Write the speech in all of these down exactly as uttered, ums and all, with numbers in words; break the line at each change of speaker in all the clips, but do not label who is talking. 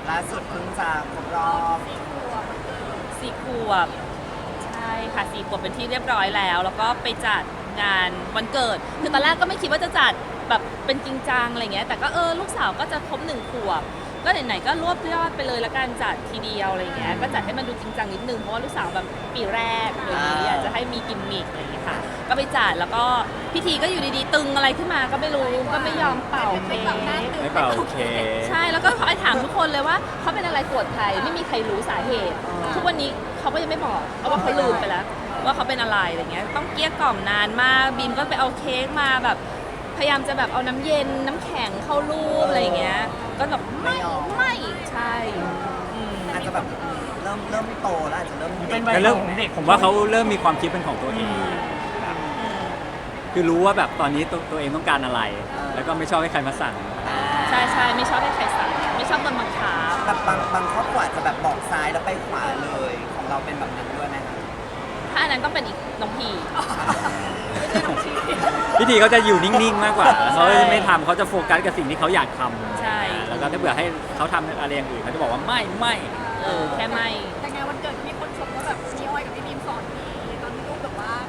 ล่าสุดเพิ่งจะครบรอบ
สี่ขวบใช่ค่ะสี่ขวบเป็นที่เรียบร้อยแล้ว แล้วก็ไปจัดงานวันเกิดคือตอนแรกก็ไม่คิดว่าจะจัดแบบเป็นจริงจังอะไรเงี้ยแต่ก็เออลูกสาวก็จะครบหนึ่งขวบก็ไหนๆก็รวบยอดไปเลยละกันจัดทีเดียวอะไรเงี้ยก็จัดให้มันดูจริงจังนิดนึงเพราะว่าลูกสาวแบบปีแรกเลยอยากจะให้มีกิมมิคอะไรเงี้ยค่ะก็ไปจัดแล้วก็พิธีก็อยู่ดีๆตึงอะไรขึ้นมาก็ไม่รู้ก็ไม่ยอมเป่าเค้ก
ไม่เป่าโอเค
ใช่แล้วก็ไอ้ถามทุกคนเลยว่าเขาเป็นอะไรปวดใครไม่มีใครรู้สาเหตุ ทุกวันนี้เขาก็ยังไม่บอกเพราะว่าเขาลืมไปแล้ว ว่าเขาเป็นอะไรอะไรเงี้ยต้องเกลี้ยกล่อมนานมากบีมก็ไปเอาเค้กมาแบบพยายามจะแบบเอาน้ำเย็นน้ำแข็งเข้ารูปอะไรเงี้ยก็แบบไม่ไม่ใช่อืม
อาจจะแบบเริ่มเริ่มโตแล้วอาจจะเริ่ม
เป็น
แต่
วัย
เริ่ม
ของเด็ก
ผมว่าเขาเริ่มมีความคิดเป็นของตัวเองครับคือรู้ว่าแบบตอนนี้ตัวตัวเองต้องการอะไร แล้วก็ไม่ชอบให้ใครมาสั่ง
ใช่ใช่ไม่ชอบให้ใครสั่งไม่ชอบโดนบังคับ
แบบบางบางครอบครัวอาจจะแบบบอกซ้ายแล้วไปขวาเลยของเราเป็นแบบนั้นด้วยไหมคะ
ถ้าอันนั้นต้องเป็นอีกน้องพี
พิธีเขาจะอยู่นิ่งๆมากกว่าเขาจะไม่ทำเขาจะโฟกัสกับสิ่งที่เขาอยากทำ
ใช่
แล้วก็ถ้าเผื่อให้เขาทำอะไรอย่างอื่นเขาจะบอกว่าไม่ไม่
เออแค่ไม่
แต่งานวันเกิดมีคนชมว่าแบบพี่อ้อยกับพี่บีมสอนดีตอนที่ลูกแบบว่าก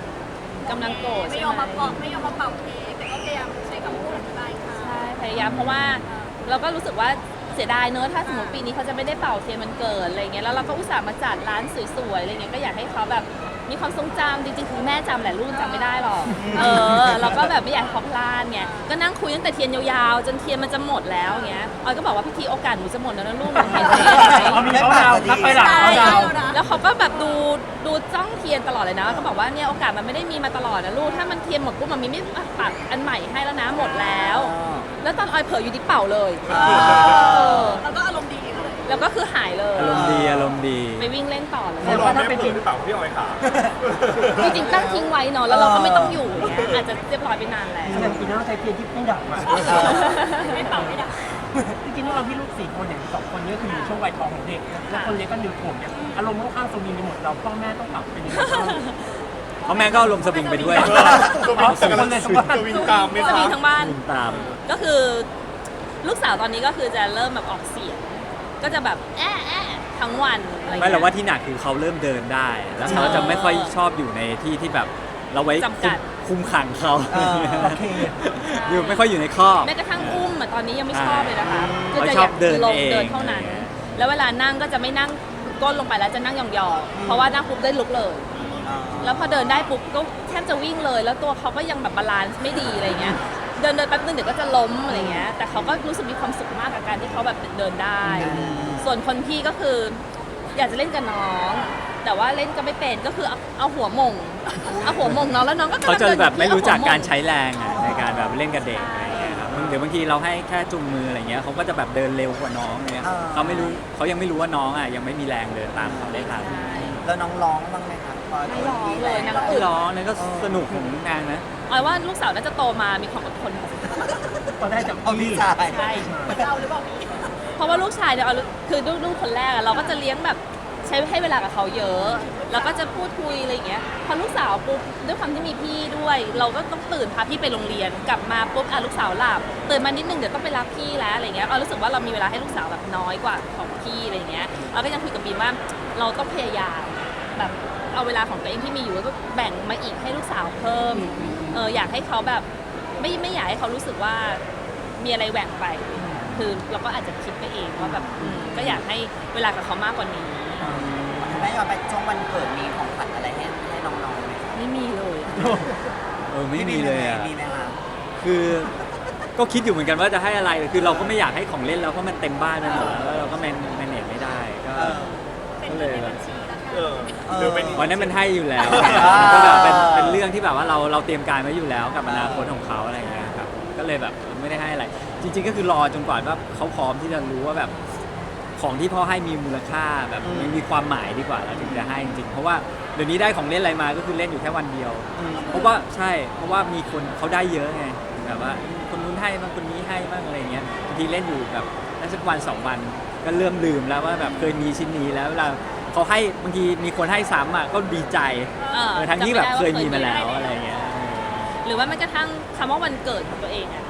ำลังโกรธ
ไม่
ใช่
ยอม
ไหม
มาเป่าไม่ยอมมาเป่าเค้กแต่ก็พยายามใช้คำพูดอธิบายค่ะ
ใช่พยายามเพราะว่าเราก็รู้สึกว่าเสียดายเนอะถ้าสมมติปีนี้เขาจะไม่ได้เป่าเทียนมันเกิดอะไรเงี้ยแล้วเราก็อุตส่าห์มาจัดร้านสวยๆอะไรเงี้ยก็อยากให้เขาแบบมีความทรงจำจริงๆคือแม่จำแหละลูกจำไม่ได้หรอกเออเราก็แบบไม่อยากให้เขาพลาดไงก็นั่งคุยตั้งแต่เทียนยาวๆจนเทียนมันจะหมดแล้วเงี้ยออยก็บอกว่าพิธีโอกาสหนูจะหมดแล้วนะลูกหนูเห็นไหม
เขามีเขาดาวนับไปหลัง
ใช่
เขาดาว
แล้วเขาก็แบบดูดูจ้องเทียนตลอดเลยนะแล้วก็บอกว่าเนี่ยโอกาสมันไม่ได้มีมาตลอดนะลูกถ้ามันเทียนหมดปุ๊บมันมีไม่ปักอันใหม่ให้แล้วนะหมดแล้ว แล้วตอนออยเผลออยู่ที่เป่าเลยเออ
แล้วก็อารมณ์ดีเลย
แล้วก็คือหายเลย
อารมณ์ดีอารมณ์ดี
ไปวิ่งเล่นต่อเลย
แต่ว่าถ้าเป็นจริง
หรือเปล่าพี่ออยขา
จริงๆตั้งทิ้งไว้เนาะแล้วเราก็ไม่ต้องอยู่เงี้ยอาจจะเรียบร้อยไปนานแล้ว
แสดงจริงแล้วใช้เทียนที่ไม่ดับอ่ะ
ไม่เป่าไม่ได้
จริงๆเราพี่ลูกสี่คนอย่างสองคนนี้คืออยู่ช่วงวัยทองของเด็กแล้วคนเล็กก็หนึ่งขวบเนี่ยอารมณ์ค่อนข้างสวิงไปหมดเราพ่อแม่ต้องปรับเป็นยังไงบ้าง
เพราะแม่ก็อารมณ์สวิงไปด้วย
ตัววิ่งกำลังตัววิ่งตามไม่
จะ
ทั
มี
น
ทั้งบ้าน
วิ่งตาม
ก็คือลูกสาวตอนนี้ก็คือจะเริ่มแบบออกเสียง ก็จะแบบแอะแอะทั้งวันอะไร
ไม่
เงี้ย
หรอกว่าที่หนักคือเขาเริ่มเดินได้ แล้วเขาจะไม่ค่อยชอบอยู่ในที่ที่แบบเราไว้
จำกัด
คุมขังเขา
เออ
โอเค
อยู่ไม่ค่อยอยู่ในคอก
แม้กระทั่งอุ้มอะตอนนี้ยังไม่ชอบเลยนะคะ
เขา
จะ
ชอบเดิน
ลง
เอง
เดินเท่านั้น แล้วเวลานั่งก็จะไม่นั่งก้นลงไปแล้วจะนั่งยองๆเพราะว่านั่งปุ๊บได้ลุกเลย แล้วพอเดินได้ปุ๊บก็แทบจะวิ่งเลย แล้วตัวเขาก็ยังแบบบาลานซ์ไม่ดีอะไรเงี้ย เดินเดินแป๊บนึงเดี๋ยวก็จะล้มอะไรเงี้ย แต่เขาก็รู้สึกมีความสุขมากกับการที่เขาแบบเดินได้ ส่วนคนพี่ก็คืออยากจะเล่นกับน้อง แต่ว่าเล่นก็ไม่เป็นก็คือเอาเอาหัวหมงเอาหัวหมงน้องแล้วน้องก็กำลัง
เขาจะ
ดิน
แบบไม่รู้จักการ
เอหัวหม่ง
ใช้แรงอะในการแบบเล่นกับเด็กอะไรอย่างเงี้ยครับเดี๋ยวบางทีเราให้แค่จุงมืออะไรเงี้ยเขาก็จะแบบเดินเร็วกว่าน้องเนี่ย
อ่า
เขาไม่รู้เขายังไม่รู้ว่าน้องอ่ะยังไม่มีแรงเดินตามเขาได้ทัน
แล้วน้องร้องบ้างไหมคะพอ
ไม่ร้องเลยนาง
ไม่
อึด
ร้องนั่นก็สนุกของนางนะ
ออยว่าลูกสาวน่าจะโตมามีความอดทน
ก็ได้จาก
เอาพี่ชาย
ใช่
เราหรือเปล่าพี่
เพราะว่าลูกชายเนี่ยเอาคือลูกลูกคนแรกอะเราก็จะเลี้ยงแบบใช้ให้เวลากับเขาเยอะ แล้วก็จะพูดคุยอะไรอย่างเงี้ย พอลูกสาวปุ๊บด้วยความที่มีพี่ด้วย เราก็ต้องตื่นพาพี่ไปโรงเรียน กลับมาปุ๊บอ่ะลูกสาวหลับ ตื่นมานิดนึงเดี๋ยวต้องไปรับพี่แล้วอะไรเงี้ยเรารู้สึกว่าเรามีเวลาให้ลูกสาวแบบน้อยกว่าของพี่อะไรเงี้ยเราก็ยังคุยกับบีมว่าเราต้องพยายามแบบเอาเวลาของตัวเองที่มีอยู่แล้วก็แบ่งมาอีกให้ลูกสาวเพิ่ม เอออยากให้เขาแบบไม่ไม่อยากให้เขารู้สึกว่ามีอะไรแหว่งไป คือเราก็อาจจะคิดไปเองว่าแบบอืมก็อยากให้เวลากับเขามากกว่านี้
แม่ยอมไปช่วงวันเกิดมีของขวัญอะไรให้ให้น้องๆไหมคะ
ไม่มีเลย
เออไม่มีเลยอ่ะ
มีไหมคะ
คือก็คิดอยู่เหมือนกันว่าจะให้อะไรคือเราก็ไม่อยากให้ของเล่นแล้วเพราะมันเต็มบ้านไปหมดแล้วเราก็แมนแมเนจไม่ได้ก็
เออ
เป็น
ก็
เงิ
เล
น
ย
ใน
แบ
บั
บ
ญชีแล้วกัน
เออหรือเป็น
วันนั้นมันให้อยู่แล้ว
อ่า
ก็แบบเป็นเป็นเรื่องที่แบบว่าเราเราเตรียมการไว้อยู่แล้วกับอนาคตของเขาอะไรอย่างเงี้ยครับก็เลยแบบไม่ได้ให้อะไร จริง ๆ ก็คือรอจนกว่าว่าเขาพร้อมที่จะรู้ว่าแบบของที่พ่อให้มีมูลค่าแบบมันมีความหมายดีกว่าเราถึงจะให้จริงๆเพราะว่าเดี๋ยวนี้ได้ของเล่นอะไรมาก็คือเล่นอยู่แค่วันเดียว เพราะว่าใช่เพราะว่ามีคนเขาได้เยอะไงแบบว่าคนนู้นให้บ้างคนนี้ให้บ้างอะไรเงี้ยบางทีเล่นอยู่แบบได้สักวันสองวันก็เริ่มลืมแล้วว่าแบบเคยมีชิ้นนี้แล้วเวลาเขาให้บางทีมีคนให้ซ้ำอ่ะก็ดีใจ
เออ
เออทั้งที่แบบเคยมีมาแล้ว
จำไม่ได้ว่าเคยมี
อะไรเงี้ย
หรือว่าแม้กระทั่งคำว่าวันเกิดของตัวเองอะ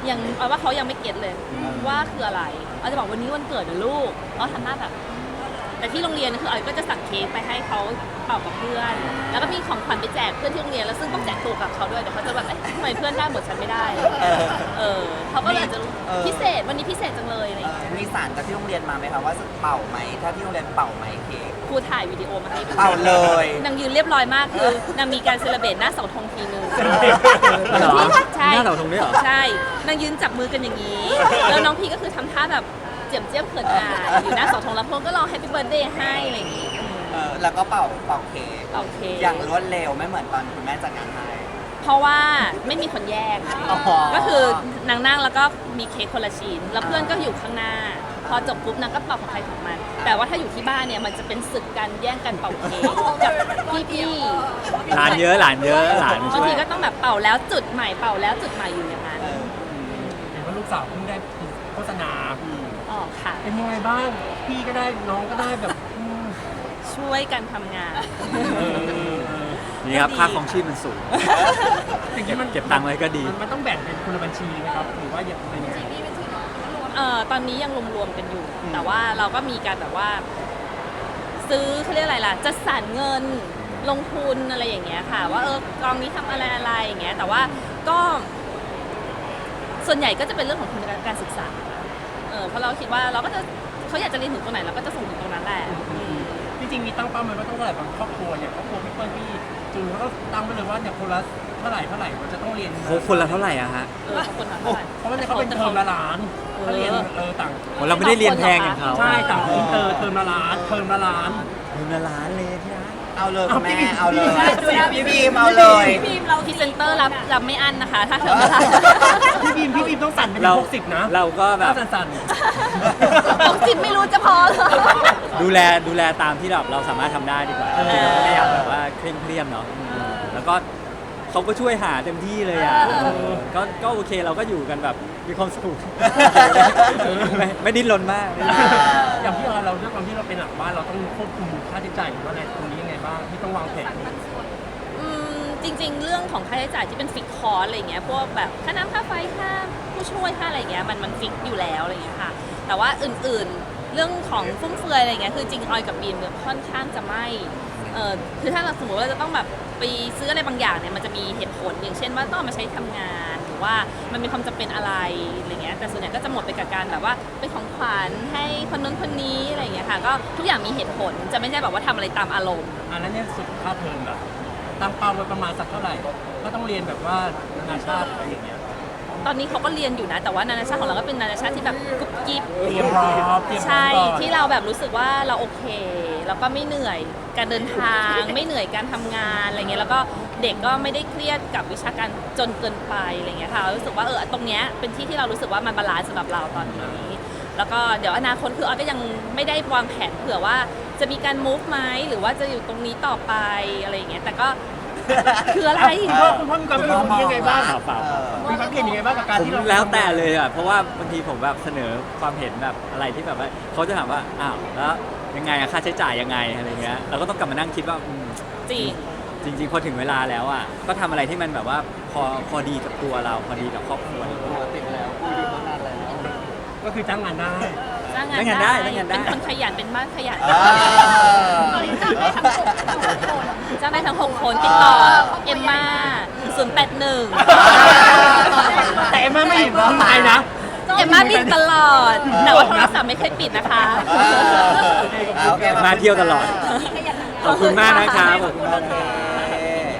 ยังเอาว่าเขายังไม่เก็ตเลยว่าคืออะไรเอาจะบอกวันนี้วันเกิดนะลูกเขาทำหน้าแบบแต่ที่โรงเรียนคือออยก็จะสั่งเค้กไปให้เขาเป่ากับเพื่อน แล้วก็มีของขวัญไปแจกเพื่อนที่โรงเรียนแล้วซึ่งต้องแจกตัวกับเขาด้วยเดี๋ยวเขาจะแบบเอ๊ะทำไมเพื่อนได้หมดฉันไม่ได้
เออ
เออเขาก็เลยอาจจะ
เออ
พิเศษวันนี้พิเศษจังเลยอะไรอย่างเงี้ย
มีสารจากที่โรงเรียนมาไหมคะว่าจะเป่าไหมถ้าที่โรงเรียนเป่าไหมเค้ก
ครูถ่ายวิดีโอมาให้ดู
เป่าเลย
นางยืนเรียบร้อยมากคือนางมีการเซเลบรตหน้าเสาธงทีนึง
เหรอ
ใช่
หน้าเสาธงด้วยเหรอ
ใช่นางยืนจับมือกันอย่างนี้ แล้วน้องพี่ก็คือทำท่าแบบเจียมเจียมเขินอายอยู่หน้าเสาธงแล้วพวกก็ร้องแฮปปี้เบิร์ดเดย์ให้อะไรอย่างงี้
เออแล้วก็เป่าเป่าเค้ก
โอเค
อย่างรวดเร็วไม่เหมือนตอนคุณแม่จัดงานให้
เพราะว่าไม่มีคนแยก
อ๋อ
ก็คือนางนั่งแล้วก็มีเค้กคนละชิ้น แล้วเพื่อนก็อยู่ข้างหน้า พอจบปุ๊บนางก็เป่าของใครของมัน แต่ว่าถ้าอยู่ที่บ้านเนี่ยมันจะเป็นศึกกันแย่งกันเป่าเค้กกับพี่
หลานเยอะหลานเยอะหลาน
ๆบาง
ช่วย
ทีก็ต้องแบบเป่าแล้วจุดใหม่เป่าแล้วจุดใหม่อยู่อย่างนั้น
เออ
เห็นว่าลูกสาวเพิ่งได้โฆษณา
อืม
อ๋อค่ะ
เป็นยังไงบ้าง พี่ก็ได้น้องก็ได้แบบอืม
ช่วยกันทำงาน
นี่ครับค่าของชีพมันสูง
สิ่งที่มัน
เก็บตังค์ไว้ก็ดี
มันมันต้องแบ่งเป็นคนละบัญชีไหมครับหรือว่าอย่างเป็นยังไง
นี่เป็นชื่อน้องรวม
เอ่อตอนนี้ยังรวมๆกันอยู่ แต่ว่าเราก็มีการแบบว่า ซื้อเขาเรียกอะไรล่ะจัดสรรเงินลงทุนอะไรอย่างเงี้ยค่ะ ว่าเออกองนี้ทำอะไรอะไรอย่างเงี้ย แต่ว่าก็ส่วนใหญ่ก็จะเป็นเรื่องของทุนการศึกษาเออเพราะเราคิดว่าเราก็จะเขาอยากจะเรียนถึงตรงไหนเราก็จะส่งถึงตรงนั้นแหละอืม
จริงๆมีตั้งเป้าไหมว่าต้องเท่าไหร่บางครอบครัวอย่างครอบครัวพี่เปิ้ลพี่จูนเขาก็ตั้งไปเลยว่าเนี่ยคนละเท่าไหร่เท่าไหร่มันจะต้องเรียน
โหคนละเท่าไหร่อะฮะ
เออขอบคุณค่ะเท่าไหร่
เพราะว่าเนี่ยเขาเป็นเทอมละล้านเขาเรียนเออต่าง
โหเราไม่ได้เรียนแพงอย่างเขา
ใช่ต่างอินเตอร์เทอมละล้านเทอมละล้าน
เดือนละล้านเลยที่ร้าน
เอาเลยคุณแม่
เอา
เอา
พี่
เลย
พี่
พี่บีมเอาเลย
ทีมเรา
พรีเซนเตอร์รับรับไม่อั้นนะคะ ถ้าเธอไม่ได้
พี่บีมพี่บีมต้องสั่นเป็น
เรา
หกสิบนะ
เราก็แบบ
ต้องสั่น
หกสิบไม่รู้จะพอเหรอ
ดูแลดูแลตามที่แบบเราสามารถทำได้ดีกว่า
เออ
เราก็ไม่อยากแบบว่าเคร่งเครียดเนาะแล้วก็เขาก็ช่วยหาเต็มที่เลยอ่ะเออก็ก็โอเคเราก็อยู่กันแบบมีความสุขไม่ไม่ดิ้นรนมากไม่ดิ้นรน
ๆอย่างพี่ออยเราด้วยความที่เราเป็นหลังบ้านเราต้องควบคุมค่าใช้จ่ายหรือว่าอะไรตรงนี้ยังไงบ้างที่ต้องวางแผน
อืมจริงๆ เรื่องของค่าใช้จ่ายที่เป็นฟิกคอร์สอะไรเงี้ยพวกแบบค่าน้ำค่าไฟค่าผู้ช่วยค่าอะไรเงี้ยมันมันฟิกอยู่แล้วอะไรเงี้ยค่ะ แต่ว่าอื่นๆเรื่องของฟุ่มเฟือยอะไรเงี้ยคือจริงออยกับบีมเนี่ยค่อนข้างจะไม่เออคือถ้าเราสมมติว่าเราจะต้องแบบไปซื้ออะไรบางอย่างเนี่ยมันจะมีเหตุผลอย่างเช่นว่าต้องเอามาใช้ทำงานหรือว่ามันมีความจำเป็นอะไรอะไรเงี้ยแต่ส่วนใหญ่ก็จะหมดไปกับการแบบว่าเป็นของขวัญให้คนนู้นคนนี้อะไรเงี้ยค่ะก็ทุกอย่างมีเหตุผลจะไม่ใช่แบบว่าทำอะไรตามอารมณ์
อันนั้นเนี่ยสุดค่าเทอมแบบตั้งเป้าไว้ประมาณสักเท่าไหร่ ก็ต้องเรียนแบบว่านานาชาติอะไรอย่างเงี้ย
ตอนนี้เขาก็เรียนอยู่นะ แต่ว่านานาชาติของเราก็เป็นนานาชาติที่แบบกุ๊บกิ๊บ
เตรียมพร้อมเตรียมพร้อม
ใช่
ก่อน
ที่เราแบบรู้สึกว่าเราโอเค แล้วก็ไม่เหนื่อยการเดินทาง ไม่เหนื่อยการทำงานอะไรเงี้ยแล้วก็เด็กก็ไม่ได้เครียดกับวิชาการจนเกินไปอะไรเงี้ยค่ะรู้สึกว่าเออตรงเนี้ยเป็นที่ที่เรารู้สึกว่ามันบาลานซ์สำหรับเราตอนนี้ แล้วก็เดี๋ยวอนาคตคือออยก็ยังไม่ได้วางแผนเผื่อว่าจะมีการ move ไหมหรือว่าจะอยู่ตรงนี้ต่อไปอะไรอย่างเงี้ยแต่ก็คืออะไร
คุณพ่อคุณพ่อมีความคิดเห็นตรงนี้ยังไงบ้าง
เปล่าเปล่า
เออ
มีความคิดเห็นยังไงบ้างกับการ
ผม
ที่เรา
แล้วแต่เลยอ่ะเพราะว่าบางทีผมแบบเสนอความเห็นแบบอะไรที่แบบว่าเขาจะถามว่าอ้าวแล้วยังไงอะค่าใช้จ่ายยังไงอะไรเงี้ยเราก็ต้องกลับมานั่งคิดว่าอืม
จริง
จริง ๆ พอถึงเวลาแล้วอ่ะก็ทำอะไรที่มันแบบว่าพอพอดีกับตัวเราพอดีกับครอบครัวเรา
ติดแล้วคุยดีมานานแล้ว
ก็คือจ้างงานได้
จ้างงาน
จ้างงานได้จ้างงานได้
เป็นคนขยันเป็นบ้านขยัน
อ่า
ตอนนี้จับได้ทั้งหกทั้งหกคน
จ้างได้ทั้งหกคนติดต่อเอมมาศูนย์แปดหนึ่ง
แต่เอ็มม่าไม่อยู่เมืองไทยนะ
เอมมาบินตลอด แต่ว่าโทรศัพท์ไม่เคยปิดนะคะ
เออโอเค
มาเที่ยวตลอด
ขยันทำงาน
ขอบคุณมากนะครับขอบคุณมาก
โอเค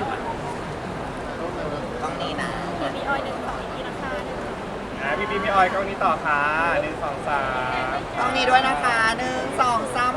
ต้องนี้นะ
มีออยหนึ่งสองอีกทีนะคะหนึ่ง
อ่ะพี่บีมพี่ออยกล้องนี้ต่อค่ะหนึ่งสองสาม
ต้องนี้ด้วยนะคะหนึ่งสองสาม